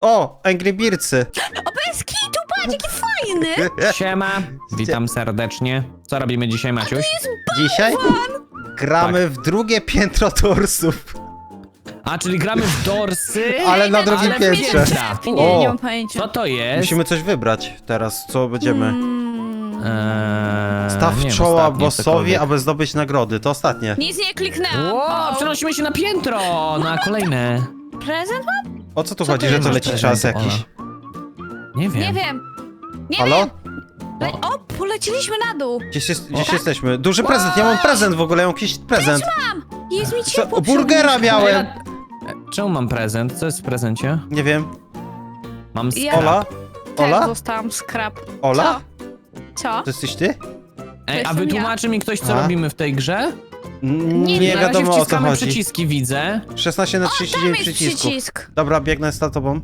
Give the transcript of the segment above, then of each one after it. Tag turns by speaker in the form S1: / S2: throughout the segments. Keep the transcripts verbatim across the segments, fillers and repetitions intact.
S1: O, Angry Birdsy.
S2: O, bez kitu, patrz, jaki fajny!
S3: Siema, witam serdecznie. Co robimy dzisiaj, Maciuś?
S1: Dzisiaj gramy w drugie piętro torsów.
S3: A, czyli gramy w dorsy,
S1: Ale na drugim
S3: ale w
S1: piętrze.
S3: piętra.
S2: Nie, nie
S1: O.
S2: mam pojęcia.
S3: Co to jest?
S1: Musimy coś wybrać teraz, co będziemy.
S2: Mm,
S3: Eee,
S1: Staw
S3: nie wiem,
S1: czoła
S3: ostatnie
S1: bossowi,
S3: cokolwiek.
S1: aby zdobyć nagrody. To ostatnie.
S2: nic nie kliknęłam.
S3: Ło,
S2: O,
S3: przenosimy się na piętro, na kolejne.
S2: prezent mam?
S1: O co tu
S2: Co
S1: chodzi,
S2: ty
S1: że to
S2: masz
S1: leci
S3: prezent,
S1: czas jakiś?
S3: Nie wiem.
S2: Nie wiem. Nie
S1: Halo?
S2: wiem. Le o, poleciliśmy na dół.
S1: Gdzieś, jest, gdzieś jesteśmy. Duży prezent, ja mam prezent w ogóle, ja mam jakiś prezent.
S2: Mam. Jest mi
S1: Co,
S2: ciepło.
S1: burgera
S2: przy
S1: miałem.
S3: E, Czemu mam prezent? Co jest w prezencie?
S1: Nie wiem.
S3: Mam
S2: Ja-
S3: scrap.
S1: Ola?
S2: Też
S1: Ola?
S2: dostałam skrap.
S1: Ola?
S2: Co? Co?
S1: To jesteś ty?
S3: Ej, a
S2: jestem
S3: wytłumaczy mi ktoś, co
S1: A?
S3: robimy w tej grze?
S1: N-
S2: Nie,
S1: Nie
S3: Na razie
S1: wiadomo o co
S3: wciskamy
S1: chodzi.
S3: przyciski, widzę.
S1: szesnaście na trzydzieści
S2: Tam
S1: dziewięć
S2: jest
S1: przycisków.
S2: przycisk.
S1: Dobra, biegnę za tobą.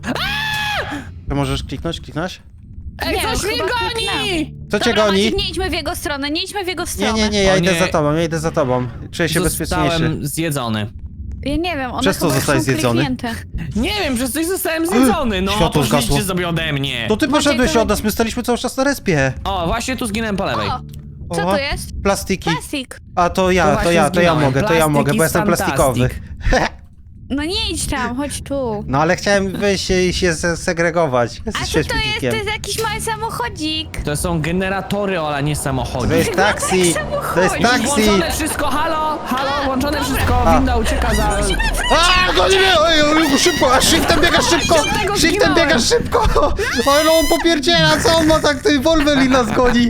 S1: Ty możesz kliknąć, kliknąć?
S3: Ej,
S2: Nie,
S3: coś
S2: chyba
S3: mnie goni!
S1: Co cię
S2: Dobra,
S1: goni?
S2: Maciek, nie idźmy w jego stronę, nie idźmy w jego
S1: Nie,
S2: stronę.
S1: nie, nie, ja
S3: O
S1: idę
S3: nie.
S1: za tobą, ja idę za tobą. Czuję się bezpieczniejszy.
S3: Zostałem zjedzony.
S2: Ja nie wiem, one
S1: Przez co
S2: chyba już
S1: zostałeś
S2: są
S1: zjedzony?
S2: kliknięte.
S3: Nie wiem, przez coś zostałem zjedzony, no.
S1: Światło zgasło.
S3: Poszliście sobie ode mnie.
S1: To ty poszedłeś
S2: to-
S1: od nas, my staliśmy cały czas na respie.
S3: O, właśnie tu zginąłem po lewej.
S2: O, co
S1: O,
S2: to jest?
S1: Plastiki.
S2: Plastik.
S1: A to
S3: To
S1: ja, to
S3: właśnie
S1: ja, to ja
S3: zginąłem.
S1: mogę, to ja
S3: Plastik
S1: mogę, bo
S3: is
S1: jestem plastikowy.
S3: fantastic.
S2: No nie idź tam, chodź tu.
S1: No ale chciałem wyjść i się se- segregować.
S2: A
S1: Jesteś
S2: co to jest?
S1: śmietnikiem.
S2: To jest jakiś mały samochodzik.
S3: To są generatory, Ola, nie samochody.
S1: To jest taksi, to jest
S2: samochodzik.
S1: taksi.
S3: Włączone wszystko, halo, halo, włączone wszystko,
S1: A.
S3: winda ucieka za...
S1: A, goni mnie! Oj, oj, szybko, a shiftem biega szybko!
S3: Tego
S1: Shiftem
S3: zginąłem.
S1: biega szybko! Oj, no on popierdziela, co on ma tak, ty Wolverine nas goni!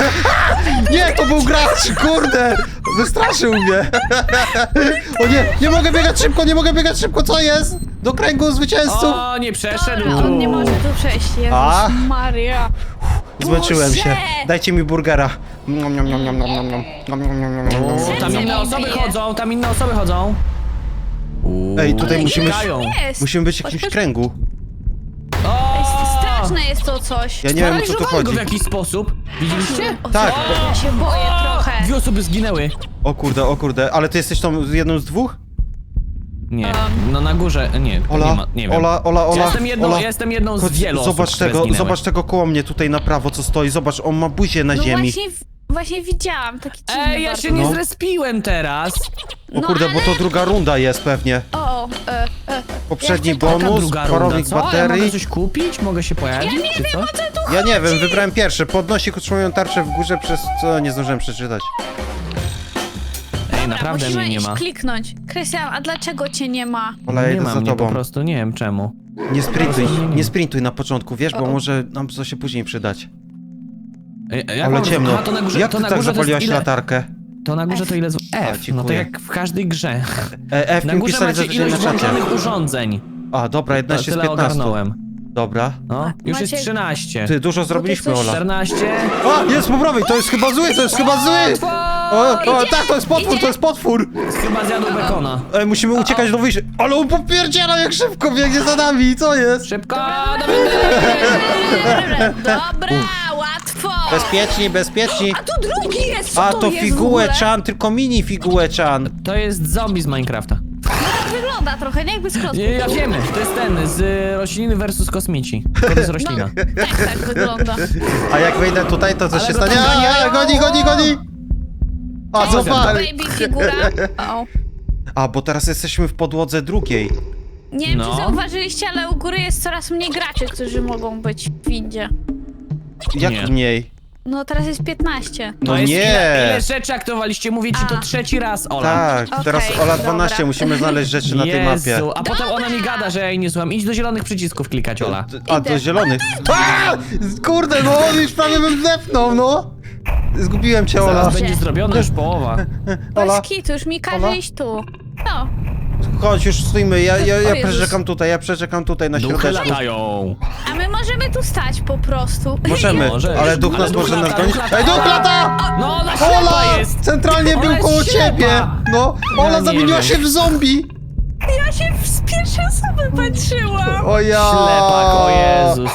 S1: Nie, to był gracz, kurde! Wystraszył mnie! O nie, nie mogę biegać szybko, nie mogę biegać szybko, co jest? Do kręgu zwycięzców!
S3: O, nie przeszedł
S2: Dobra, on nie może tu przejść,
S1: A?
S2: Jezus Maria.
S1: Zmęczyłem się.
S2: Boże!
S1: Dajcie mi burgera. Nom, nom, nom, nom, nom, nom, nom. Nom, nom, nom, nom, nom, nom.
S3: O, tam
S2: Serce
S3: inne
S2: mi
S3: osoby
S2: bije.
S3: chodzą, tam inne osoby chodzą. Uuu,
S1: Ej, tutaj
S2: Ale
S1: musimy-
S3: uciekają.
S2: Jest.
S1: Musimy być w jakimś kręgu.
S3: O!
S2: Straszne jest to coś.
S1: Ja nie wiem, o co tu
S3: Sparaliżowały go
S1: chodzi.
S3: w jakiś sposób. Widzieliście?
S2: O,
S1: Tak.
S2: co? Ja się boję trochę.
S3: Dwie osoby zginęły.
S1: O kurde, o kurde, ale ty jesteś tą jedną z dwóch?
S3: Nie,
S2: Um.
S3: no na górze, nie, nie
S1: Ola,
S3: ma, nie wiem.
S1: Ola, Ola, Ola,
S3: ja jestem jedną,
S1: Ola.
S3: ja jestem jedną z
S1: Chodź,
S3: wielu
S1: zobacz
S3: osób, które
S1: tego,
S3: zginęły.
S1: zobacz tego koło mnie tutaj na prawo, co stoi. Zobacz, on ma buzię na
S2: No
S1: ziemi.
S2: właśnie, właśnie widziałam taki dziwny
S3: Ej, ja
S2: bardzo.
S3: się nie
S1: No.
S3: zrespiłem teraz.
S1: O
S2: No,
S1: kurde, bo to
S2: ale-
S1: druga runda jest pewnie.
S2: O, e, e.
S1: Poprzedni
S2: Ja chcę-
S3: Taka
S1: bonus,
S3: druga runda,
S1: parownik
S3: co? Ja mogę
S1: baterii.
S3: coś kupić? Mogę się pojawić,
S2: Ja nie
S3: czy
S2: wiem,
S3: co?
S2: o co tu
S1: Ja nie
S2: chodzi.
S1: wiem, wybrałem pierwszy. Podnosi utrzymują tarczę w górze, przez co nie zdążyłem przeczytać.
S3: Ej,
S2: Dobra,
S3: naprawdę
S2: musimy
S3: mnie nie
S2: iść
S3: ma.
S2: kliknąć. Krystian, a dlaczego cię nie ma?
S1: Ola, ja
S3: Nie
S1: idę
S3: ma
S1: za
S3: mnie po
S1: tobą.
S3: prostu, nie wiem czemu.
S1: Nie sprintuj,
S3: Nie, nie, nie.
S1: nie sprintuj na początku, wiesz, bo
S2: O, o.
S1: może nam to się później przydać.
S3: Ej, jak
S1: Ale
S3: mam-
S1: ciemno.
S3: Aha, to na górze,
S1: Jak
S3: to
S1: ty
S3: na
S1: tak
S3: górze to jest
S1: zapaliłaś
S3: ile?
S1: latarkę?
S3: To na górze to ile z...
S1: A,
S3: F, no to
S1: dziękuję.
S3: jak w każdej grze.
S1: E, F
S3: Na
S1: mi
S3: górze
S1: pisali
S3: macie
S1: zazwyczaj
S3: ilość
S1: na czacie.
S3: włączonych urządzeń.
S1: A, dobra,
S3: To
S1: jedenaście z
S3: tyle
S1: piętnastu.
S3: ogarnąłem.
S1: Dobra.
S3: No, już jest
S2: Maciek-
S3: trzynaście.
S1: Ty, dużo zrobiliśmy,
S2: coś-
S1: Ola.
S3: czternaście.
S1: O, jest po prawej, to jest chyba zły, to jest chyba zły! O, o, tak, to jest potwór, to jest potwór!
S3: Chyba zjadł bekona.
S1: E, musimy uciekać do wyjścia. Ale on popierdziela jak szybko biegnie za nami, co jest?
S3: Szybko, do windy!
S2: Dobra, łatwo.
S1: Bezpieczni, bezpieczni.
S2: A tu drugi jest, co
S1: A
S2: to,
S1: to
S2: jest w
S1: figułę
S2: ogóle?
S1: Chan, tylko mini figułę Chan.
S3: To jest zombie z Minecrafta.
S2: Tak wygląda trochę, nie jakby z klocków.
S3: Nie, ja wiemy, to jest ten, z y, rośliny versus kosmici. To jest roślina.
S2: Tak, tak wygląda.
S1: A jak wejdę tutaj, to co
S3: Ale
S1: się
S3: go
S1: stanie?
S3: tam
S1: A,
S3: ganiają.
S1: goni, goni, goni! A,
S2: Cześć,
S1: zobacz!
S2: baby figura. O.
S1: A, bo teraz jesteśmy w podłodze drugiej.
S2: Nie wiem,
S3: No.
S2: czy zauważyliście, ale u góry jest coraz mniej graczy, którzy mogą być w windzie.
S1: Jak
S3: Nie.
S1: mniej?
S2: No teraz jest piętnaście.
S1: No
S3: To jest
S1: nie!
S3: Ile, ile rzeczy aktowaliście, mówię ci to
S2: A.
S3: trzeci raz, Ola.
S1: Tak,
S2: Okej,
S1: teraz Ola dwanaście,
S2: dobra.
S1: musimy znaleźć rzeczy na tej mapie.
S3: Jezu, a potem ona mi gada, że ja jej nie słucham. Idź do zielonych przycisków klikać, Ola.
S1: A, do
S2: Idę.
S1: zielonych. A! Kurde, no, już prawie bym zepnął, no! Zgubiłem cię, Ola.
S3: Zaraz będzie zrobiona już połowa.
S1: Ola,
S2: Bez kitu, już mi każe
S1: Ola?
S2: iść tu. No,
S1: chodź, już stójmy, ja, ja,
S2: O
S1: ja
S2: Jezus.
S1: przeczekam tutaj, ja przeczekam tutaj na
S3: Duchy
S1: środeczku.
S3: latają.
S2: a my możemy tu stać po prostu.
S1: Możemy,
S3: Możesz.
S1: ale duch
S3: Ale
S1: nas
S3: duch
S1: może nas
S3: lata,
S1: gonić.
S3: duch lata.
S1: Ej, duch lata!
S3: No, ona ślepa
S1: Ola!
S3: jest!
S1: Centralnie
S3: Ona
S1: był
S3: jest
S1: koło
S3: ślepa.
S1: ciebie! No, Ola
S3: nie
S1: zamieniła
S3: wiem.
S1: się w zombie!
S2: Ja się z pierwszej osoby patrzyłam.
S1: O ja!
S3: Ślepak, o Jezus.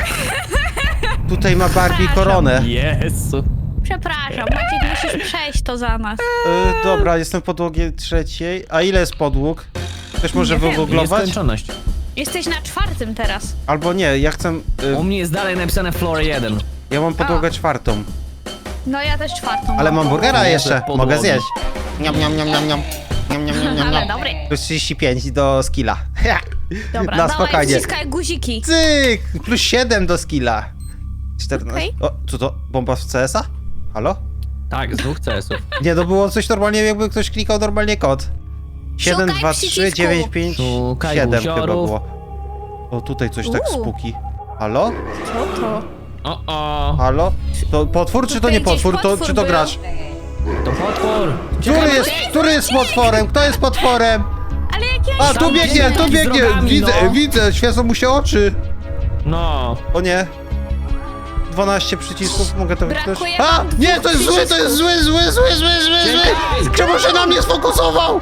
S1: Tutaj ma Barbie
S2: Przepraszam.
S1: koronę.
S3: Jezu.
S2: Przepraszam, Maciek, musisz przejść to za nas.
S1: Y, dobra, jestem w podłogie trzeciej. A ile jest podłóg? Ktoś może
S2: Nie wiem.
S1: wygooglować?
S3: Nieskończoność.
S2: Jesteś na czwartym teraz.
S1: Albo nie, ja chcę... Y,
S3: U mnie jest dalej napisane floor jeden.
S1: ja mam podłogę
S2: A.
S1: czwartą.
S2: No ja też czwartą.
S1: Ale mam burgera
S3: Nie,
S1: jeszcze,
S3: podłogi.
S1: mogę zjeść. Niam, niam, niam, niam, niam. Niam, niam, niam, niam,
S2: Ale
S1: niam.
S2: dobry.
S1: Plus trzydzieści pięć do skilla.
S2: Dobra,
S1: Na
S2: dawaj,
S1: spokojnie.
S2: wciskaj guziki.
S1: Cyk! Plus siedem do skilla. czternaście.
S2: Okej.
S1: O, co to? Bomba z C S a? Halo?
S3: Tak, z dwóch C S ów.
S1: Nie, to było coś normalnie, jakby ktoś klikał normalnie kod. siedem,
S2: Szukaj
S1: dwa, trzy,
S2: przycisku.
S1: dziewięć, pięć,
S3: Szukaj
S1: siedem chyba
S3: guziorów.
S1: było. O, tutaj coś tak
S2: Uuu.
S1: spuki. Halo?
S2: Co to?
S3: O, o,
S1: Halo? To potwór czy to
S2: Tutaj
S1: nie
S2: gdzieś
S1: potwór? To,
S2: potwór
S1: czy to
S2: był.
S1: gracz?
S3: to potwór.
S1: Który jest, który jest potworem? Kto jest potworem?
S2: Ale jak ja
S1: A,
S3: Tam
S1: tu biegnie, tu
S3: biegnie z
S1: biegnie!
S3: rogami,
S1: Widzę,
S3: no.
S1: widzę, świecą mu się oczy.
S3: No.
S1: O nie. dwanaście przycisków, mogę to wytknąć?
S2: Brakuje
S1: A!
S2: nam
S1: Nie,
S2: dwóch
S1: to jest zły, to jest zły, zły, zły, zły, zły, zły!
S3: Czekaj.
S1: Czemu się na mnie sfokusował?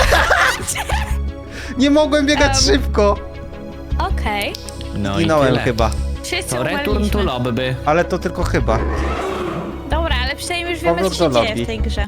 S1: Nie mogłem biegać
S2: Em.
S1: szybko.
S2: Okej.
S3: No
S1: Zginąłem
S3: i tyle.
S1: chyba.
S2: Wszyscy
S3: To return to
S2: umarliśmy.
S3: lobby.
S1: Ale to tylko chyba.
S2: Dobra, ale przynajmniej już wiemy,
S1: Powrót
S2: co się
S1: do
S2: dzieje
S1: lobby.
S2: w tej grze.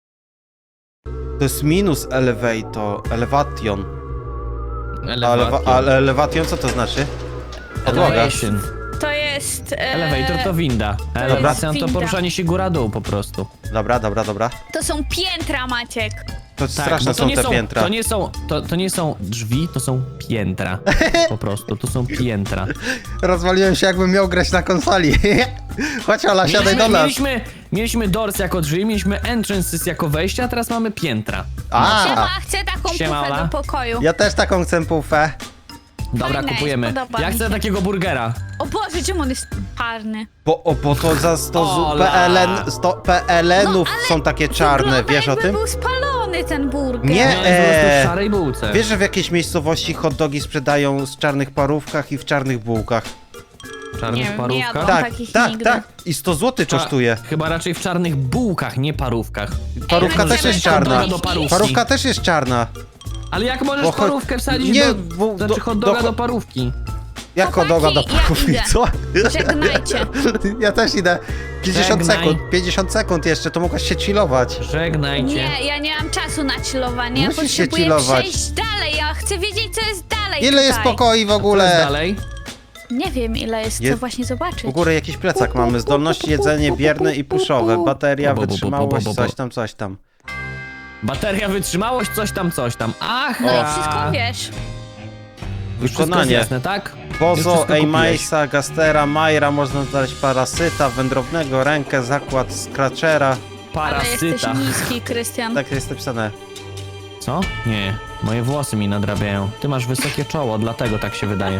S1: To jest minus elevator, elevation. Elewa
S3: Elevation.
S1: ale elevation co to znaczy? Podłoga.
S3: Elevation.
S2: To jest... E...
S3: Elevator to winda.
S2: jest
S3: Elevation to
S2: winda.
S3: poruszanie się góra-dół po prostu.
S1: Dobra, dobra, dobra.
S2: To są piętra, Maciek.
S1: To
S3: Tak,
S1: straszne
S3: bo to
S1: są
S3: nie
S1: te
S3: są,
S1: piętra.
S3: to nie są, to, to nie są drzwi, to są piętra. Po prostu, to są piętra.
S1: Rozwaliłem się, jakbym miał grać na konsoli. Chodź Ola, siadaj do
S3: Mieliśmy,
S1: nas.
S3: mieliśmy, mieliśmy doors jako drzwi, mieliśmy entrances jako wejście, a teraz mamy piętra.
S2: Siema,
S1: A,
S2: chcę taką
S3: Siema,
S2: pufę
S3: Ola.
S2: do pokoju.
S1: ja też taką chcę pufę.
S3: Dobra,
S2: Fajne,
S3: kupujemy.
S2: podoba
S3: Ja
S2: mi
S3: chcę
S2: się.
S3: takiego burgera.
S2: O Boże, czemu on jest czarny?
S1: Bo, o, bo to za sto
S3: Ola.
S1: P L N, sto P L N-ów są takie czarne,
S2: Wygląda,
S1: wiesz o
S2: jakby
S1: tym?
S2: był spalony ten burger.
S1: Nie.
S3: Nie, on jest po prostu
S1: Eee.
S3: w szarej bułce.
S1: Wiesz, że w jakiejś miejscowości hot dogi sprzedają z czarnych parówkach i w czarnych bułkach?
S3: W
S2: Nie
S3: czarnych
S2: wiem, nie
S3: parówkach?
S2: jadłam.
S1: Tak,
S2: takich
S1: tak,
S2: nigdy.
S1: tak. I sto złotych
S3: Cza-
S1: kosztuje.
S3: Chyba raczej w czarnych bułkach, nie parówkach.
S1: Parówka
S2: Ej,
S1: też
S2: możemy
S1: jest
S2: tam
S1: czarna.
S2: dojść
S3: Do parówki.
S1: Parówka też jest czarna.
S3: Ale jak możesz
S1: Bo cho-
S3: parówkę wsadzić
S1: nie,
S3: do...
S1: bo-
S3: Znaczy
S1: do-
S3: hot doga
S1: do-
S3: do parówki?
S1: Jak hot doga do
S2: Chłopaki, ja
S1: parówki,
S2: idę.
S1: co?
S2: Żegnajcie.
S1: Ja też idę. pięćdziesiąt
S3: Żegnaj.
S1: sekund, pięćdziesiąt sekund jeszcze, to mogłaś się chillować.
S3: Żegnajcie.
S2: Nie, ja nie mam czasu na chillowanie. Ja
S1: Musisz się
S2: potrzebuję
S1: chillować.
S2: przejść dalej. Ja chcę wiedzieć, co jest dalej
S1: Ile jest
S2: tutaj.
S1: pokoi w
S3: Co jest
S1: ogóle?
S3: dalej?
S2: Nie wiem, ile jest,
S1: Je-
S2: co właśnie zobaczyć.
S1: U góry jakiś plecak mamy. Zdolności, jedzenie bierne i puszowe. Bateria, wytrzymałość, coś tam, coś tam.
S3: Bateria, wytrzymałość, coś tam, coś tam. Ach,
S2: No i wszystko wiesz.
S3: Już wszystko jest
S1: Wykonanie.
S3: jasne, tak? Już
S1: Bozo,
S3: wszystko kupiłeś.
S1: Ejmaisa, Gastera, Majra, można znaleźć parasyta, wędrownego, rękę, zakład, Scratchera.
S2: Ale jesteś
S3: Parasyta.
S2: niski, Krystian.
S1: Tak jest napisane.
S3: Co? Nie, moje włosy mi nadrabiają. Ty masz wysokie czoło, dlatego tak się wydaje.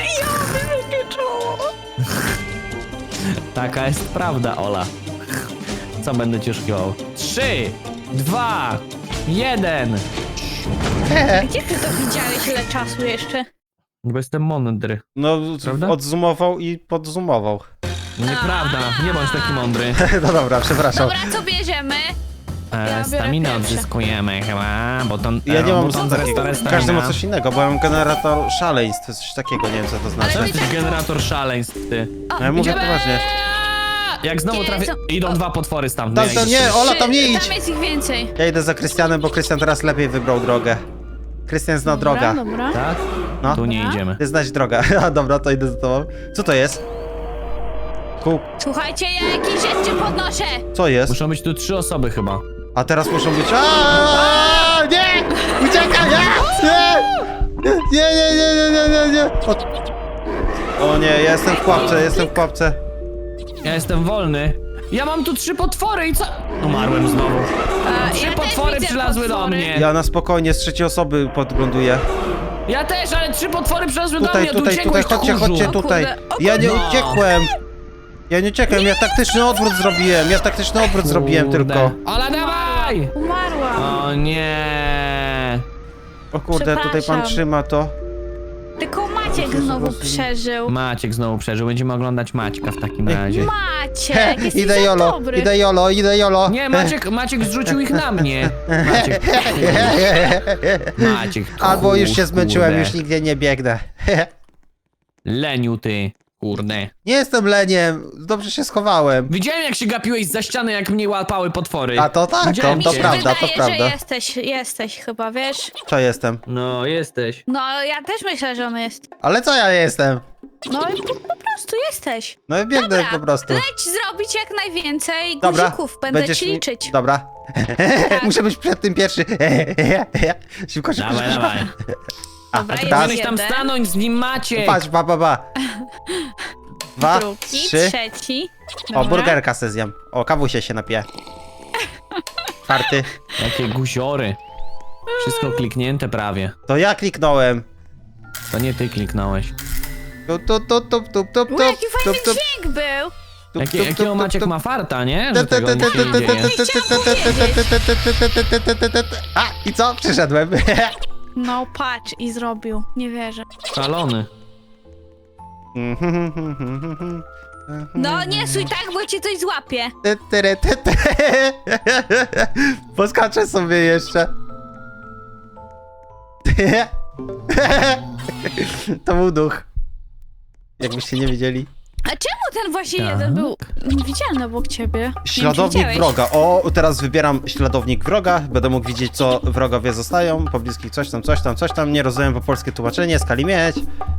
S3: Taka jest prawda, Ola. Co będę ci oszukiwał? Trzy, dwa, jeden.
S2: Gdzie ty to widziałeś, ile czasu jeszcze?
S3: Bo jestem mądry.
S1: No,
S3: Prawda?
S1: odzumował i podzoomował.
S3: Nieprawda, nie bądź taki mądry.
S1: No dobra, przepraszam.
S2: Dobra, co bierzemy?
S3: E,
S2: Ja biorę
S3: staminę
S2: pierwsze.
S3: odzyskujemy chyba, bo to...
S1: Ja nie mam
S3: bo to
S1: nic takiego.
S3: resta-
S1: Każdy ma
S3: stamina.
S1: coś innego, bo ja mam generator szaleństw, coś takiego, nie wiem co to
S3: To
S1: znaczy.
S2: Ale-
S3: jesteś generator szaleństw, ty.
S2: O,
S1: No ja mówię
S2: idziemy.
S1: poważnie.
S3: Jak znowu
S2: Gdzie
S3: trafię...
S2: są-
S3: Idą
S2: o.
S3: dwa potwory stamtąd.
S1: Da, da, nie, Ola, tam nie
S2: Trzy,
S1: idź!
S2: Tam jest ich więcej.
S1: Ja idę za Krystianem, bo Krystian teraz lepiej wybrał drogę. Krystian zna droga.
S2: Dobra, dobra.
S3: Tak?
S1: No.
S3: Tu nie
S2: Dobra.
S3: idziemy.
S1: Ty znać drogę. A dobra, to idę za tobą. Co to jest? Kół.
S2: Słuchajcie, ja jakieś rzeczy podnoszę.
S1: Co jest?
S3: Muszą być tu trzy osoby chyba.
S1: A teraz muszą być... Aaaa! Nie! Uciekaj! Nie! Nie, nie, nie, nie, nie, nie, nie! O... o nie, ja jestem w pułapce, jestem w pułapce.
S3: Ja jestem wolny. Ja mam tu trzy potwory i co? Umarłem znowu.
S2: E,
S3: Trzy
S2: ja też
S3: potwory
S2: widzę
S3: przylazły do
S2: potwory.
S3: mnie.
S1: Ja na spokojnie z trzeciej osoby podgląduję.
S3: Ja też, ale trzy potwory przylazły do
S1: Tutaj,
S3: mnie.
S1: tutaj,
S3: tu
S1: tutaj,
S3: uciekłeś,
S1: chodźcie,
S3: tchórzu.
S1: chodźcie
S2: O
S1: tutaj.
S2: kurde, o
S1: Ja nie
S3: kurde.
S1: uciekłem. Ja nie uciekłem, ja taktyczny odwrót zrobiłem. Ja taktyczny odwrót zrobiłem
S3: Kurde.
S1: tylko.
S3: Ola, dawaj!
S2: Umarłam.
S3: O nie.
S1: O kurde, tutaj pan
S2: Przepraszam.
S1: trzyma to.
S2: Tylko Maciek znowu przeżył.
S3: Maciek znowu przeżył. Będziemy oglądać Maćka w takim razie.
S2: Maciek, jesteś
S1: Idę
S2: za
S1: jolo,
S2: dobry.
S1: idę jolo, idę jolo.
S3: Nie, Maciek, Maciek zrzucił ich na mnie. Maciek. Maciek.
S1: Albo już się
S3: tchórz,
S1: zmęczyłem,
S3: kurde.
S1: już nigdzie nie biegnę.
S3: Leniu ty. Kurde.
S1: Nie jestem leniem, dobrze się schowałem.
S3: Widziałem, jak się gapiłeś za ściany, jak mnie łapały potwory.
S1: A to tak, to,
S3: Widziałem
S2: Mi
S1: to
S2: się
S3: cię.
S1: prawda,
S2: wydaje,
S1: to prawda.
S2: że jesteś, jesteś chyba, wiesz?
S1: Co jestem?
S3: No, jesteś.
S2: No, ja też myślę, że on jest.
S1: Ale co ja jestem?
S2: No i po, po prostu jesteś.
S1: No i biegnę
S2: Dobra,
S1: po prostu.
S2: leć zrobić jak najwięcej
S1: Dobra,
S2: guzików, będę
S1: będziesz
S2: ci
S1: mi-
S2: liczyć.
S1: Dobra. Muszę być przed tym pierwszy. Szybko, szybko,
S3: Dawaj,
S1: szybko.
S3: dawaj.
S1: A,
S2: Dobra,
S1: a
S2: jest
S1: teraz
S3: Powinieneś tam
S2: jeden.
S3: stanąć z nim, Maciek.
S1: patrz, ba, ba, ba. Dwa,
S2: Drugi,
S1: trzy.
S2: trzeci.
S1: O,
S2: Dobra.
S1: burgerka se zjem. O, kawusie się napije. Czwarty.
S3: Jakie guziory. Wszystko kliknięte prawie.
S1: To ja kliknąłem.
S3: To nie ty kliknąłeś.
S1: Tup, tup, tup, tup, tup, tup,
S2: U,
S1: tup,
S2: jaki fajny
S1: tup, tup,
S2: dźwięk był.
S1: tup,
S3: Jakie,
S1: tup,
S3: jakiego
S1: tup,
S3: Maciek
S1: tup,
S3: ma farta, nie?
S1: tup,
S3: Że tego
S1: tup,
S3: nic się
S1: tup,
S3: nie
S1: tup,
S3: dzieje.
S1: tup, tup, tup, tup, tup, tup, tup, tup. A, i co? Przyszedłem.
S2: No patrz i zrobił, nie wierzę.
S3: Szalony.
S2: No nie suj tak, bo cię coś złapie.
S1: Ty, tyry, ty, ty. Poskaczę sobie jeszcze. To był duch. Jakbyście nie wiedzieli.
S2: A czemu ten właśnie
S3: Tak.
S2: jeden był widzialny obok ciebie? Nie wiem, czy
S1: Śladownik
S2: widziałeś.
S1: wroga. O, teraz wybieram śladownik wroga. Będę mógł widzieć, co wrogowie zostają. Pobliskich coś tam, coś tam, coś tam. Nie rozumiem po polskie tłumaczenie, skali mieć.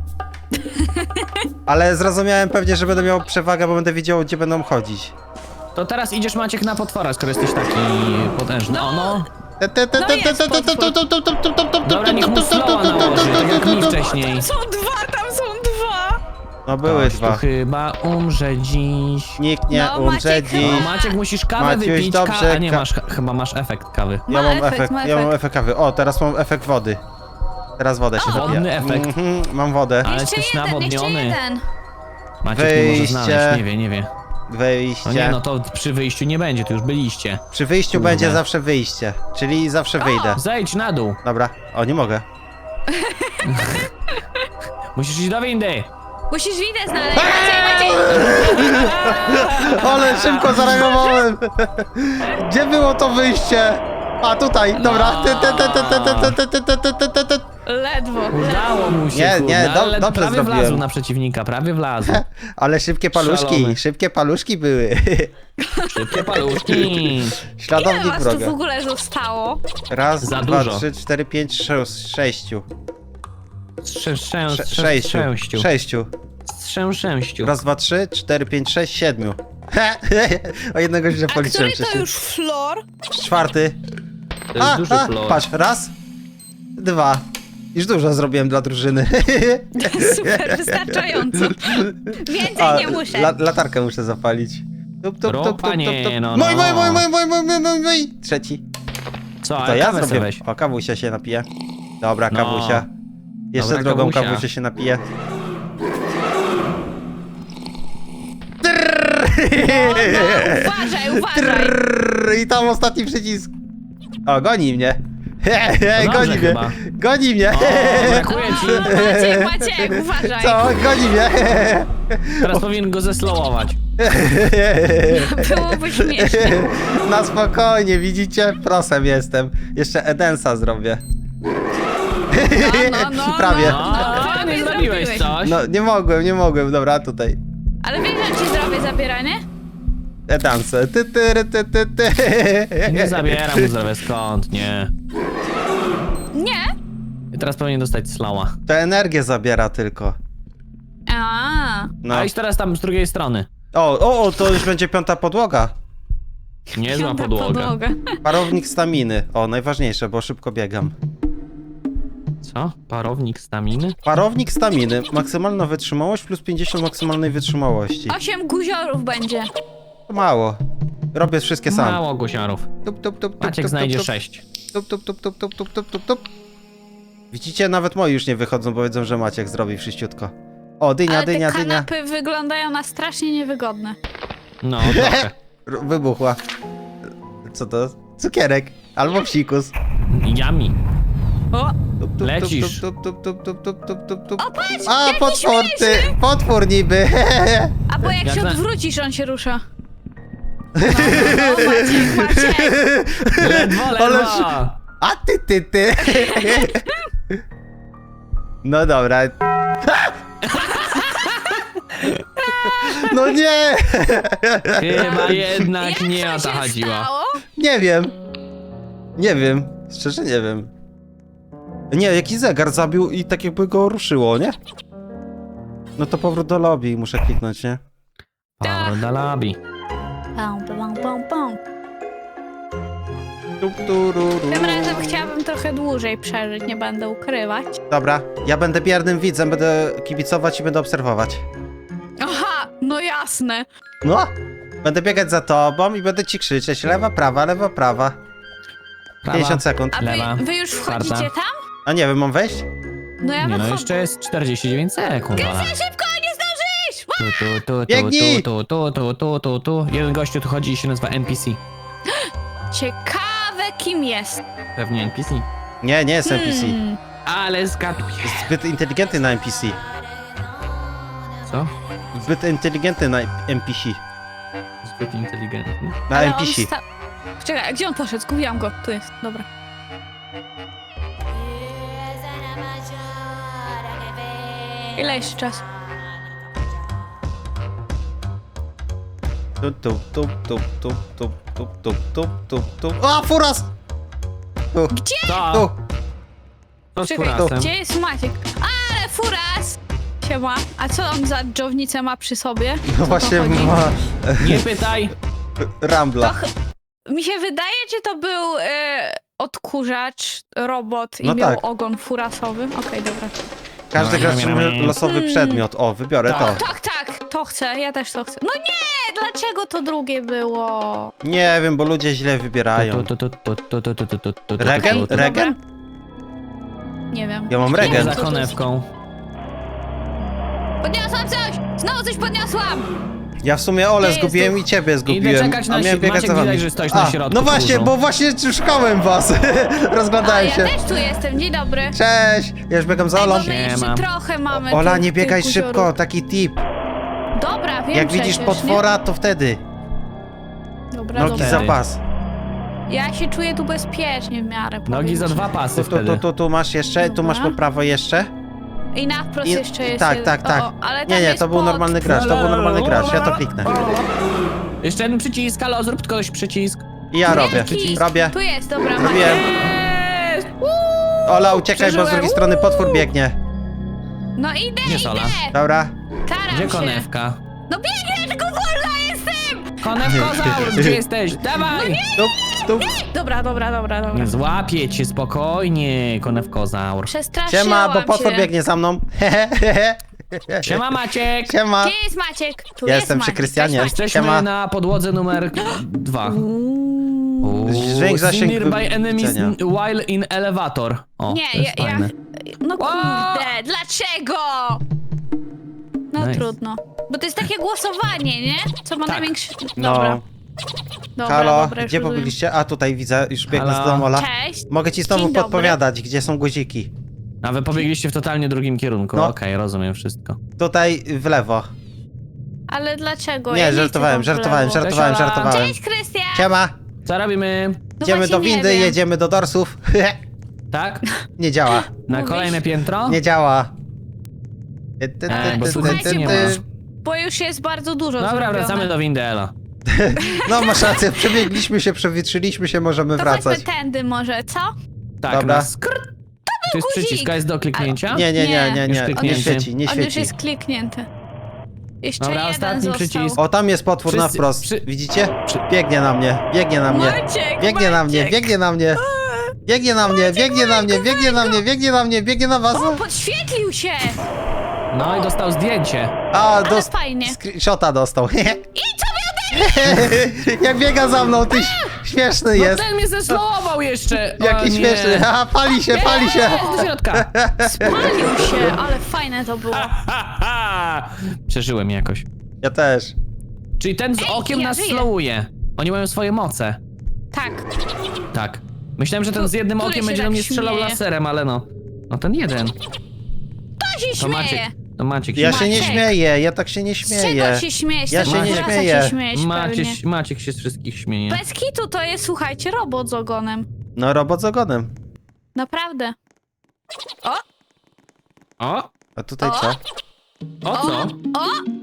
S1: Ale zrozumiałem pewnie, że będę miał przewagę, bo będę wiedział, gdzie będą chodzić.
S3: To teraz idziesz, Maciek, na potwora, skoro jesteś taki potężny. O no. Dobra, niech mu slowa nałoży, tak jak mi wcześniej.
S2: Są dwa, tam są dwa.
S1: No były
S3: Ktoś tu
S1: dwa.
S3: chyba umrze dziś.
S1: Nikt nie
S2: No,
S1: umrze
S2: Maciek
S1: dziś.
S3: No, Maciek, musisz kawę
S1: Maciuś,
S3: wypić,
S1: dobrze,
S3: ka- a nie
S1: ka-
S3: masz, chyba masz efekt kawy.
S1: Ja
S2: Ma
S1: mam
S2: efekt,
S1: efekt,
S2: ma
S1: ja mam
S2: efekt.
S1: efekt kawy. O, teraz mam efekt wody. Teraz wodę się napiję.
S3: Wodny efekt.
S1: Mhm, mam wodę.
S3: Ale
S2: Jeszcze
S3: jesteś
S2: jeden, jeszcze
S3: nawodniony.
S2: jeden.
S3: Maciek nie może
S1: Wyjście.
S3: znaleźć, nie wie, nie wie.
S1: Wyjście.
S3: No nie, no to przy wyjściu nie będzie, to już byliście.
S1: Przy wyjściu
S3: Kurde.
S1: będzie zawsze wyjście. Czyli zawsze wyjdę.
S3: Zejdź na dół.
S1: Dobra. O, nie mogę.
S3: Musisz iść do windy.
S2: Musisz windę znaleźć. Maciej, Maciej.
S1: Ale szybko zareagowałem. Gdzie było to wyjście? A, tutaj. Dobra.
S3: No.
S1: Ty, ty, ty, ty, ty, ty, ty, ty, ty, ty, ty, ty.
S2: Ledwo.
S3: Udało mu się,
S1: Nie,
S3: kurde,
S1: nie, do-
S3: ale
S1: dobrze
S3: prawie
S1: zrobiłem.
S3: wlazł na przeciwnika, prawie wlazł.
S1: Ale szybkie paluszki.
S3: Szalony.
S1: Szybkie paluszki były.
S3: Szybkie paluszki.
S2: Ile
S1: Śladownik
S2: was tu w
S1: wroga.
S2: ogóle zostało?
S1: Raz,
S3: Za
S1: dwa,
S3: dużo.
S1: trzy, cztery, pięć, sześć, sześciu.
S3: Strzę, strzę,
S1: Sze-
S3: strzę,
S1: Sześciu.
S3: strzęściu.
S1: Sześciu.
S3: Strzę, sześciu.
S1: Raz, dwa, trzy, cztery, pięć, sześć, siedmiu. O jednego źle
S2: A
S1: policzyłem
S2: który to
S1: przecież.
S2: już flor?
S1: Czwarty.
S3: To jest
S1: A,
S3: duży
S1: a,
S3: flor.
S1: patrz, raz, dwa. Już dużo zrobiłem dla drużyny.
S2: Super, wystarczająco. Więcej
S1: A,
S2: nie muszę.
S1: La, latarkę muszę zapalić. Tup, tup, tup, tup,
S3: Ropa
S1: tup,
S3: nie,
S1: tup.
S3: no,
S1: Mój,
S3: no.
S1: mój, mój, mój, mój, mój, mój, mój, mój. Trzeci.
S3: Co,
S1: To
S3: ale
S1: ja
S3: kawę se
S1: zrobię.
S3: weź.
S1: O, kawusia się napije. Dobra,
S3: No.
S1: kawusia. Jeszcze
S3: Dobra,
S1: drugą
S3: kawusia.
S1: kawusię się napije.
S2: No, uważaj, uważaj.
S1: Trrr, I tam ostatni przycisk. O, goni mnie. He, he,
S3: To
S1: goni
S3: dobrze
S1: mnie.
S3: chyba.
S1: Goni mnie.
S3: O, brakuje ci.
S2: O, Maciek, Maciek, uważaj.
S1: Co? Goni mnie.
S3: Teraz powinien go zeslowować.
S2: Byłoby śmiesznie.
S1: Na spokojnie, widzicie? Prosem jestem. Jeszcze Edensa zrobię.
S2: No, no, no,
S1: Prawie.
S2: No,
S3: No,
S2: no,
S3: nie
S2: nie
S3: zrobiłeś
S2: zrobiłeś.
S3: coś.
S1: No, nie mogłem, nie mogłem. Dobra, tutaj.
S2: Ale wiesz, że ci zrobię zabieranie?
S1: Edensa. Ty, ty, ty, ty, ty.
S3: Nie zabieram mu zdrowia, skąd, nie.
S2: Nie.
S3: I teraz powinien dostać slowa.
S1: To energię zabiera tylko.
S2: A.
S1: No.
S3: A idź teraz tam z drugiej strony.
S1: O, o, o, to już będzie piąta podłoga.
S3: Niezła
S2: Piąta
S3: podłoga.
S1: Parownik staminy. O, najważniejsze, bo szybko biegam.
S3: Co? Parownik staminy?
S1: Parownik staminy. Maksymalna wytrzymałość plus pięćdziesiąt maksymalnej wytrzymałości.
S2: Osiem guziorów będzie.
S1: To mało. Robię wszystkie sam.
S3: Mało gusiarów.
S1: Tup, tup, tup, tup,
S3: Maciek
S1: tup,
S3: znajdzie
S1: tup,
S3: sześć.
S1: tup, tup, tup, tup, tup, tup, tup, tup, tup. Widzicie, nawet moi już nie wychodzą, bo wiedzą, że Maciek zrobi wszyściutko. O, dynia,
S2: Ale te
S1: dynia, dynia.
S2: kanapy wyglądają na strasznie niewygodne.
S3: No, trochę.
S1: R- Wybuchła. Co to? Cukierek. Albo psikus.
S3: Yummy.
S2: O,
S1: Tup, tup,
S3: Lecisz.
S1: Tup, tup, tup, tup, tup, tup, tup, tup.
S2: o patrz,
S1: A,
S2: jaki
S1: potwór, ty!
S2: śmieszny.
S1: Potwór niby!
S2: A bo jak
S3: Jak
S2: się
S3: na-
S2: odwrócisz, on się rusza. No, no, Maciek, Maciek.
S3: Ledwo,
S1: Ale
S3: ledwo.
S1: A ty, ty, ty! No dobra. No nie!
S3: Chyba jednak
S2: Jak
S3: nie
S2: to
S3: o to
S2: się
S3: chodziło.
S2: stało?
S1: Nie wiem. Nie wiem. Szczerze nie wiem. Nie, jakiś zegar zabił i tak jakby go ruszyło, nie? No to powrót do lobby i muszę kliknąć, nie?
S3: Powrót do lobby.
S2: Pum, pum, pum, pum.
S1: Tup, tururu.
S2: Tym razem chciałabym trochę dłużej przeżyć, nie będę ukrywać.
S1: Dobra, ja będę biernym widzem, będę kibicować i będę obserwować.
S2: Aha, no jasne.
S1: No! Będę biegać za tobą i będę ci krzyczeć lewa, prawa, lewa, prawa.
S3: Prawa.
S1: pięćdziesiąt sekund.
S2: A
S3: Lewa.
S2: wy, wy już wchodzicie
S3: Czwarta.
S2: tam?
S1: A nie wiem, mam wejść?
S2: No ja
S3: Nie no,
S2: wychodzę.
S3: jeszcze jest czterdzieści dziewięć sekund. Ola.
S2: Krystian, szybko, nie zdążysz!
S3: Tu, tu, tu, tu,
S1: Biegnij!
S3: tu, tu, tu, tu, tu, tu. Jeden gościu tu chodzi i się nazywa N P C.
S2: Ciekawe, kim jest.
S3: Pewnie N P C.
S1: Nie, nie jest N P C.
S2: Hmm.
S3: Ale zgaduję.
S1: Jest zbyt inteligentny na N P C.
S3: Co?
S1: Zbyt inteligentny na N P C.
S3: Zbyt inteligentny.
S1: Na
S2: Ale
S1: N P
S2: on
S1: C.
S2: sta- Czekaj, a gdzie on poszedł? Zgubiłam go. Tu jest, dobra. Ile jeszcze czasu?
S1: Tup, tup, tup, tup, tup, tup, tup, tup, tup, tup, tup. A, furas! Tu,
S2: Gdzie?
S3: Co?
S1: tu.
S3: Co z
S2: Czekaj,
S3: furasem?
S2: gdzie jest Maciek? Ale furas! Siema. A co on za dżownicę ma przy sobie? Co
S1: No
S2: to
S1: właśnie
S2: chodzi?
S1: ma
S3: Nie pytaj.
S1: Rambla.
S2: To ch- mi się wydaje, czy to był e, odkurzacz, robot i
S1: No
S2: miał
S1: tak.
S2: ogon furasowy. Okej, dobra.
S1: Każdy gracz otrzyma losowy
S2: Hmm.
S1: przedmiot. O, wybiorę
S3: Tak.
S1: to.
S2: Tak, tak, to chcę, ja też to chcę. No nie, dlaczego to drugie było?
S1: Nie wiem, bo ludzie źle wybierają.
S3: Tu, tu, tu, tu, tu, tu, tu, tu, tu, tu, tu,
S1: Regen?
S3: tu, tu.
S1: Regen?
S2: Nie wiem.
S1: Ja mam
S2: Nie
S1: regen.
S2: wiem,
S3: Za
S2: co to jest.
S3: konewką.
S2: Podniosłam coś! Znowu coś podniosłam!
S1: Ja w sumie Ole
S2: Gdzie
S1: zgubiłem
S2: jest
S1: i ciebie zgubiłem.
S3: czekać na
S1: a miałem
S3: si-
S1: biegać
S3: Maciek,
S1: za wami.
S3: widać, że stoisz na
S1: A,
S3: środku
S1: no właśnie,
S3: kurzu.
S1: bo właśnie szukałem was.
S2: A
S1: Rozglądałem
S2: ja
S1: się.
S2: też tu jestem, dzień dobry.
S1: Cześć! Ja już biegam za
S2: Ej, bo
S1: Olą.
S2: my jeszcze
S3: Siema.
S2: trochę mamy
S1: Ola,
S2: tych-
S1: nie biegaj
S2: tych
S1: szybko,
S2: guziorów.
S1: taki tip.
S2: Dobra, wiem
S1: Jak widzisz
S2: przecież,
S1: potwora, to wtedy.
S2: Nie? Dobra,
S1: Nogi
S2: dobra.
S1: za
S3: Wtedy.
S1: pas.
S2: Ja się czuję tu bezpiecznie w miarę.
S3: Nogi
S2: powiem
S3: za
S2: ci.
S3: dwa pasy
S1: Tu, tu, tu,
S3: wtedy.
S1: tu, tu masz jeszcze, tu masz po
S2: Dobra.
S1: prawo jeszcze.
S2: I na wprost
S1: I-
S2: jeszcze jest
S1: tak,
S2: jeden.
S1: tak, tak.
S2: O, o, ale
S1: Nie,
S2: tam
S1: nie,
S2: jest
S1: to był
S2: pot-
S1: normalny gracz, to był normalny gracz, ja to kliknę.
S3: Jeszcze jeden przycisk, halo, zrób ktoś przycisk.
S1: I ja robię,
S2: Jaki?
S1: robię.
S2: Tu jest, dobra.
S1: Zrobiłem.
S2: Macie.
S3: Jest!
S1: Ola, uciekaj, bo z
S3: Przeżyłem.
S1: drugiej strony potwór biegnie.
S2: No idę,
S3: Gdzie jest
S2: idę.
S3: Ola?
S1: Dobra.
S2: Staram
S3: Gdzie
S2: się.
S3: konewka?
S2: No biegnę, tylko wolna jestem!
S3: Konewkozaur, gdzie jesteś? Dawaj!
S1: Tu, tu.
S2: Dobra, dobra, dobra, dobra.
S3: Złapię cię spokojnie, konewkozaur.
S2: Przestraszyłam
S1: Siema, bo potwór
S2: się.
S1: biegnie za mną.
S3: Siema Maciek!
S1: Siema.
S2: Gdzie jest Maciek? Tu
S1: Ja
S2: jest
S1: jestem przy
S2: Maciek.
S1: Krystianie.
S2: Cześć, Maciek.
S3: Jesteśmy
S1: Siema.
S3: na podłodze numer dwa.
S2: Uuu.
S1: Zwiększ zasięg
S3: Nearby enemies
S1: widzenia.
S3: while in elevator. O,
S2: Nie,
S3: to jest
S2: ja, ja...
S3: fajne.
S2: No
S3: O!
S2: kurde, dlaczego? No
S3: Nice.
S2: trudno. Bo to jest takie głosowanie, nie? Co ma
S3: Tak.
S2: największy...
S1: No.
S2: Dobra. Dobra,
S1: Halo,
S2: dobra, już
S1: gdzie
S2: rozumiem.
S1: pobyliście? A tutaj widzę, już biegnę
S3: Halo.
S1: z domu, Ola.
S2: Cześć.
S1: Mogę ci znowu
S2: Dzień dobry.
S1: podpowiadać, gdzie są guziki.
S3: A wy pobiegliście w totalnie drugim kierunku.
S1: No.
S3: Okej, rozumiem wszystko.
S1: Tutaj w lewo.
S2: Ale dlaczego?
S1: Nie,
S2: ja nie
S1: żartowałem,
S2: chcę tam w
S1: żartowałem,
S2: lewo.
S1: żartowałem,
S3: Cześć, Ola.
S1: żartowałem.
S2: Cześć, Krystian!
S1: Siema,
S3: Co robimy?
S2: No
S1: idziemy
S2: właśnie
S1: do
S2: nie
S1: windy,
S2: wiem.
S1: jedziemy do dorsów.
S3: Tak?
S1: Nie działa,
S3: Na
S2: Mówisz?
S3: kolejne piętro?
S1: nie działa. Ty, ty, ty,
S3: Ej, bo
S1: ty,
S3: słuchajcie,
S1: ty,
S3: nie
S1: ty.
S3: ma.
S2: Bo już jest bardzo dużo
S3: Dobra,
S2: zrobione.
S3: wracamy do windy, Elo.
S1: No masz rację, przebiegliśmy się, przewietrzyliśmy się, możemy
S2: To
S1: wracać.
S2: chodźmy tędy może, co?
S3: Tak,
S1: Dobra.
S3: na skr... To jest
S2: guzik.
S3: przycisk, a jest do kliknięcia?
S1: Nie, nie, nie, nie,
S3: Już
S1: nie, nie
S3: kliknięty.
S1: świeci, nie
S2: On już
S1: świeci.
S2: jest kliknięty. Jeszcze
S3: Dobra,
S2: jeden
S3: ostatni
S2: został.
S3: przycisk.
S1: O, tam jest potwór na
S3: Wszyscy-
S1: wprost,
S3: przy-
S1: widzicie?
S3: przy-
S1: Biegnie na mnie, biegnie na mnie.
S2: Maciek,
S1: Biegnie na mnie,
S2: Maciek.
S1: biegnie na mnie. Biegnie na mnie, biegnie na mnie, biegnie na mnie, biegnie na mnie, biegnie na was.
S2: O, podświetlił się!
S3: No i dostał zdjęcie.
S1: A,
S2: Ale
S1: dost...
S2: fajnie.
S1: Screenshota dostał.
S2: I co miał
S1: Jak biega za mną, ty śmieszny
S3: No
S1: jest.
S3: ten mnie zeslowował jeszcze. O,
S1: Jaki
S3: nie.
S1: śmieszny. A, pali się, pali się.
S3: Jest do środka.
S2: Spalił się, ale fajne to było.
S3: Ha, ha. Przeżyłem jakoś.
S1: Ja też.
S3: Czyli ten z
S2: Ej,
S3: okiem
S2: ja
S3: nas
S2: żyję.
S3: slowuje. Oni mają swoje moce.
S2: Tak.
S3: Tak. Myślałem, że ten z jednym
S2: Który
S3: okiem
S2: się
S3: będzie
S2: tak
S3: do mnie strzelał
S2: śmieje?
S3: laserem, ale no. No ten jeden.
S2: To się
S3: To
S2: śmieje.
S3: Maciek. To Maciek się
S1: Ja się nie
S2: Maciek.
S1: śmieję, ja tak się nie
S2: Z
S1: śmieję.
S2: czego się śmiejesz?
S1: Ja
S2: Z
S1: się
S2: tego
S1: nie
S2: rasa
S1: śmieję.
S2: się śmiejesz
S3: Maciek,
S2: pewnie.
S3: Maciek się z wszystkich śmieje.
S2: Bez kitu to jest, słuchajcie, robot z ogonem.
S1: No, robot z ogonem.
S2: Naprawdę. O,
S3: O!
S1: A tutaj
S2: O.
S1: co?
S3: O co?
S2: o!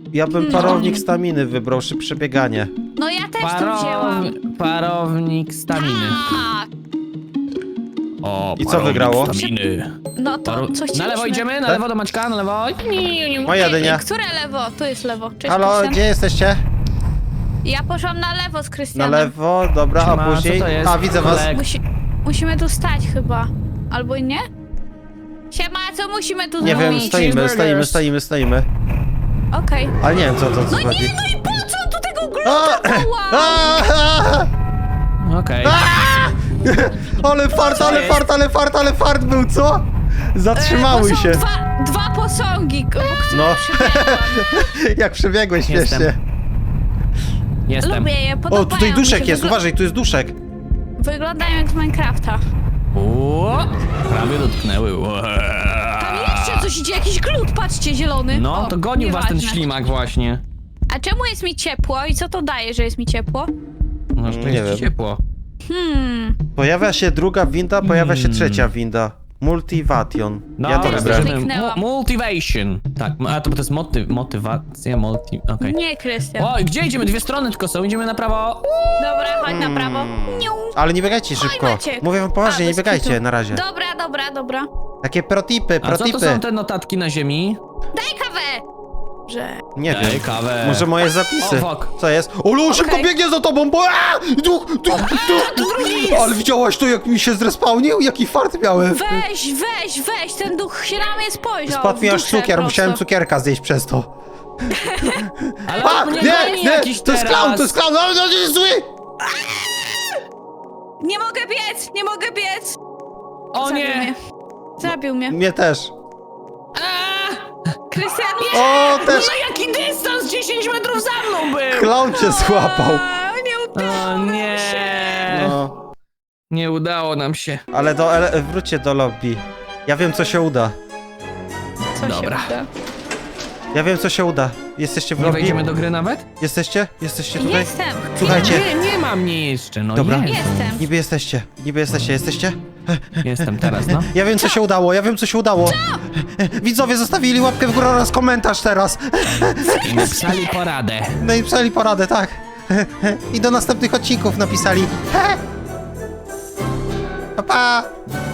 S1: Ja bym
S2: No.
S1: parownik staminy wybrał, szybsze bieganie.
S2: No ja też to wzięłam.
S3: Parownik staminy.
S2: Tak.
S3: O,
S1: I co
S3: parownik
S1: wygrało?
S3: Staminy.
S2: No to
S3: Paru...
S2: co chcieliśmy?
S3: Na lewo idziemy? Na
S1: Tak?
S3: lewo do Maćka, na lewo.
S1: Moja dynia.
S2: Które lewo? Tu jest lewo. Cześć,
S1: Halo,
S2: Krystian.
S1: gdzie jesteście?
S2: Ja poszłam na lewo z
S1: Na
S2: Krystianem.
S1: lewo, dobra,
S3: Siema,
S1: a później...
S3: co to jest?
S1: A, widzę was.
S3: Kolek.
S2: Musi... Musimy tu stać chyba. Albo i nie? Siema, co musimy tu
S1: Nie
S2: zrobić?
S1: wiem, stoimy,
S3: cheeseburgers.
S1: stoimy, stoimy, stoimy.
S2: Okej.
S1: Ale nie wiem, co to co
S2: No
S1: chodzi.
S2: nie, no i po co tu tego
S1: A!
S2: gluta wołam?
S1: A!
S3: Okej.
S1: Ale fart, ale
S3: jest?
S1: fart, ale fart, ale fart był, co? Zatrzymały
S2: E, bo są
S1: się.
S2: Dwa, dwa posągi, k- które
S1: No.
S2: przybiegłam.
S1: Jak przebiegłeś
S3: Jestem.
S1: śmiesznie.
S3: Jestem.
S2: Lubię je, podobają
S1: O, tutaj
S2: mi
S1: duszek
S2: się.
S1: jest,
S2: Wygl-
S1: uważaj, tu jest duszek.
S2: Wyglądają jak z Minecrafta.
S3: O, prawie dotknęły. Ua.
S2: Tam jeszcze coś idzie, jakiś glut, patrzcie, zielony.
S3: No,
S2: O,
S3: to gonił was ten
S2: nieważne.
S3: ślimak właśnie.
S2: A czemu jest mi ciepło i co to daje, że jest mi ciepło?
S3: No, że
S1: Nie
S3: to jest
S1: wiem.
S3: ci ciepło.
S2: Hmm.
S1: Pojawia się druga winda, pojawia się
S3: Hmm.
S1: trzecia winda. Multivation.
S3: No,
S1: Ja to
S2: teraz
S1: wybrałem.
S2: to kliknęłam.
S3: Multivation. Tak, a to, to jest moty motywacja, multi... okej.
S2: Nie, Krystian.
S3: Oj, gdzie idziemy? Dwie strony tylko są, idziemy na prawo.
S2: Dobra, chodź na prawo. Niu.
S1: Ale nie biegajcie szybko.
S2: Maciek.
S1: Mówię wam poważnie,
S2: A,
S1: nie
S2: bez
S1: biegajcie
S2: kitu.
S1: na razie.
S2: Dobra, dobra, dobra.
S1: Takie protipy,
S3: A co to
S1: protipy.
S3: są te notatki na ziemi?
S2: Daj kawę! Że...
S1: Nie
S3: Daj
S1: wiem.
S3: kawę.
S1: Może moje zapisy.
S3: O, fuck.
S1: Co jest? Olu, szybko
S2: Okej.
S1: biegnie za tobą, bo... Aaa! Duch, duch, duch. Ale widziałaś to, jak mi się zrespałnił? Jaki fart miałem.
S2: Weź, weź, weź, ten duch się na mnie spojrzał.
S1: Spadł mi
S2: w
S1: aż
S2: duszę
S1: cukier,
S2: prosto.
S1: musiałem cukierka zjeść przez to.
S3: Ale
S1: A,
S3: on mnie
S1: nie,
S3: goni
S1: nie,
S3: jakiś
S1: to jest
S3: teraz.
S1: clown, to jest clown, ale to jest zły!
S2: Nie mogę biec, nie mogę biec!
S3: O
S2: Zabił
S3: nie!
S2: mnie. Zabił mnie.
S1: Mnie też.
S3: A,
S2: Krystian, nie!
S1: O, też
S3: no jaki dystans? dziesięć metrów za mną był!
S1: clown cię złapał.
S2: A, nie udało
S3: O
S2: nam
S3: nie!
S2: się.
S1: No,
S3: Nie udało nam się.
S1: ale do, ele- wróćcie do lobby. Ja wiem, co się uda.
S2: Co
S3: Dobra.
S2: się uda?
S1: Ja wiem, co się uda. Jesteście w
S3: Nie
S1: lobby?
S3: wejdziemy do gry nawet?
S1: Jesteście? Jesteście tutaj?
S2: Jestem.
S1: Słuchajcie.
S3: Nie, nie ma mnie jeszcze, no
S1: Dobra.
S3: jestem.
S2: Jestem.
S1: Niby jesteście, niby jesteście, jesteście?
S3: Jestem teraz, no.
S1: Ja wiem, co się udało, ja wiem, co się udało. Widzowie zostawili łapkę w górę oraz komentarz teraz.
S3: I napisali poradę.
S1: No i pisali poradę, tak. I do następnych odcinków napisali. Pa, pa.